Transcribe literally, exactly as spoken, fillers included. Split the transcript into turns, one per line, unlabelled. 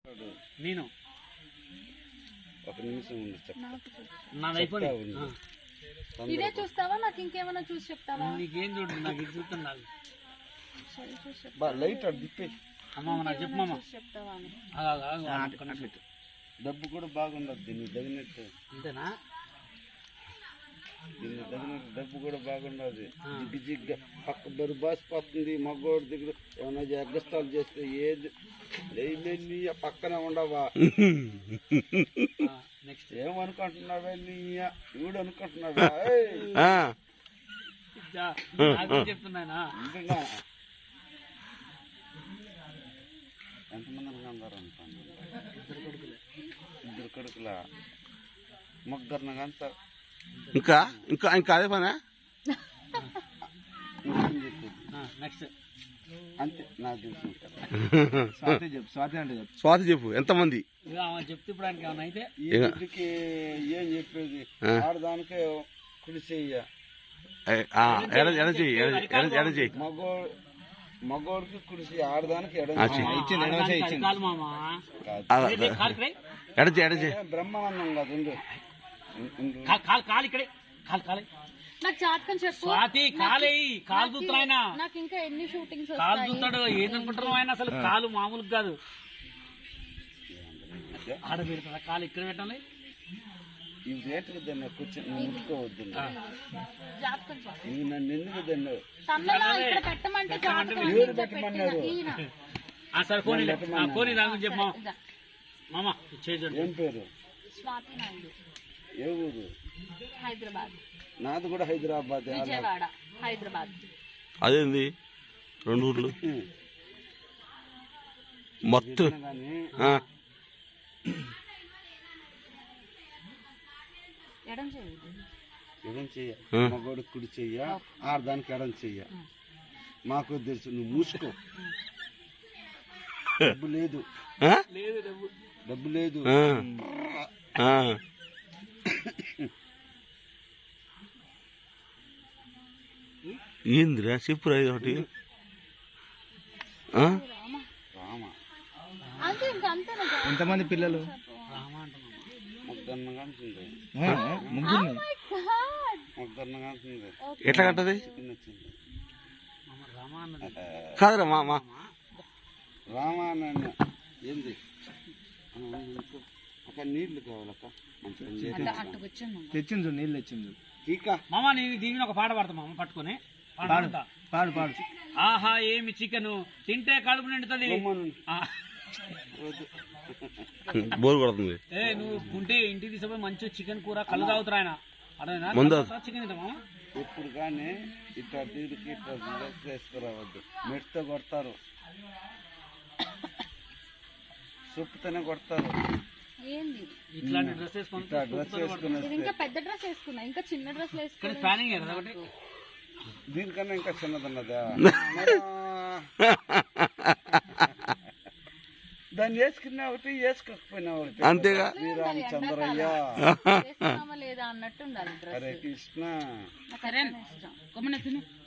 నేను
ఒక నిమిషం ఉండి చెప్తా.
నాది అయిపోయింది.
ఇదే చూస్తావా నాకు ఇంకేమైనా చూసి చెప్తావా?
నీకేం చూడు, నాకు ఇది చూస్తున్నాను.
లైట్ అటు తిప్పి
అమ్మమ్మ నాకు చెప్పమ్మా.
చెప్తావా అని.
డబ్బు కూడా బాగుండదు దీన్ని తగినట్టు.
అంతేనా?
దీన్ని తగినట్టు డబ్బు కూడా బాగుండదు. జిగ్గు జిగ్గా పక్క బరు బాసిపోతుంది. మగ్గోడి దగ్గర ఏమైనా ఎగ్గస్తాలు చేస్తే ఏది పక్కనే ఉండవా?
నెక్స్ట్
ఏమనుకుంటున్నావే నీ వీడు అనుకుంటున్నావా?
చెప్తున్నానా?
ఇంకా ఎంతమంది అనుకున్నారు అనుకోండి.
ఇద్దరు కొడుకులే.
ఇద్దరు కొడుకులా ముగ్గురు అంతా.
ఇంకా ఇంకా ఇంకా అదే పనా?
నెక్స్ట్
అంతే నాకు తెలుసు.
స్వాతి చెప్పు. స్వాతి అంటే స్వాతి చెప్పు. ఎంతమంది
చెప్తే ఇప్పుడు ఆయనకి ఏమన్నా అయితే
ఈ ఇంటికి ఏం చెప్పేది? ఆడదానికే కుడి చెయ్య,
ఎడ చెయ్యి.
మగో మగోడికి కుడి చెయ్యి, ఆడదానికి ఎడ
ఎడ చెయ్యి.
బ్రహ్మానందం కాదు.
కాలు ఇక్కడే కాలు కాలే.
నాకు జాతకం చెప్పు.
స్వాతి కాలే. కాలు చూస్తాడు ఆయన.
నాకు ఇంకా ఎన్ని షూటింగ్స్
కాలు చూస్తాడు. ఏదనుకుంటున్నావు ఆయన? అసలు కాలు మామూలు కాదు. ఆడ పెడతా కాలు ఇక్కడ పెట్టాలి.
ఇవి రేట్లు దాన్ని కూర్చొని నువ్వు ముట్టుకోవద్దు.
జాతకం చెప్పు.
ఇవి నన్ను ఎందుకు దాన్ని
ఇక్కడ పెట్టమంటే
ఎవరు పెట్టమన్నారు?
సరే కోని కోని దాని గురించి చెప్పమా. మామ చేయండి.
ఏం పేరు?
స్వాతి నాయుడు.
ఏ ఊరు?
హైదరాబాద్.
నాది కూడా హైదరాబాద్.
విజయవాడ, హైదరాబాద్.
అదేంది రెండు ఊర్లు మొత్తం?
ఎడం చెయ్యి.
ఎడం చెయ్య, మగోడు కుడి చెయ్య, ఆడదానికి ఎడం చెయ్య. మాకు తెలుసు. నువ్వు మూసుకో. డబ్బు లేదు, డబ్బు లేదు.
ఏందిరా చెప్పురా ఒకటి. ఎంతమంది పిల్లలు?
ముగ్గురు కంటుంది.
ముగ్గురు.
ముగ్గురు కంటుంది.
ఎట్లా కట్టది?
రామాన్న
కాదురా మా మా
రామానన్న ఏంది? అక్కడ నీళ్లు కావాలక్క.
తెచ్చింది నీళ్ళు తెచ్చింది.
టీకా
మామ నేను దీని ఒక పాట పాడతా మామ. పట్టుకొని పాడతా.
పాడు పాడు.
ఆహా ఏమి చికెన్ తింటే కడుపు నిండుతుంది.
బోర్ కొడుతుంది.
ఏ నువ్వు ఉంటే ఇంటికి తీసుకుపోయి మంచి చికెన్ కూర కళ్ళు తాగుతారు ఆయన. అర్థమైనా? చికెన్ తింటా మామ.
ఎప్పుడు కానీ ఇట్లా తీరికి ఇట్లా వేసుకురావద్దు. మెట్తో కొడతారు, సొప్పుతోనే కొడతారు.
ఏంది
ఇట్లాంటి డ్రెస్ వేసుకుని
డ్రెస్ వేసుకుని
ఇంకా పెద్ద డ్రెస్ వేసుకున్నా, ఇంకా చిన్న డ్రెస్ వేసుకున్నా.
ప్లానింగ్ ఒకటి
దీనికన్నా ఇంకా చిన్నదన్నదా? దాన్ని వేసుకున్నా ఒకటి, వేసుకోకపోయినా ఒకటి.
అంతేగా.
శ్రీరామచంద్రయ్య
లేదా అన్నట్టు ఉండాలి.
హరే కృష్ణ.
సరే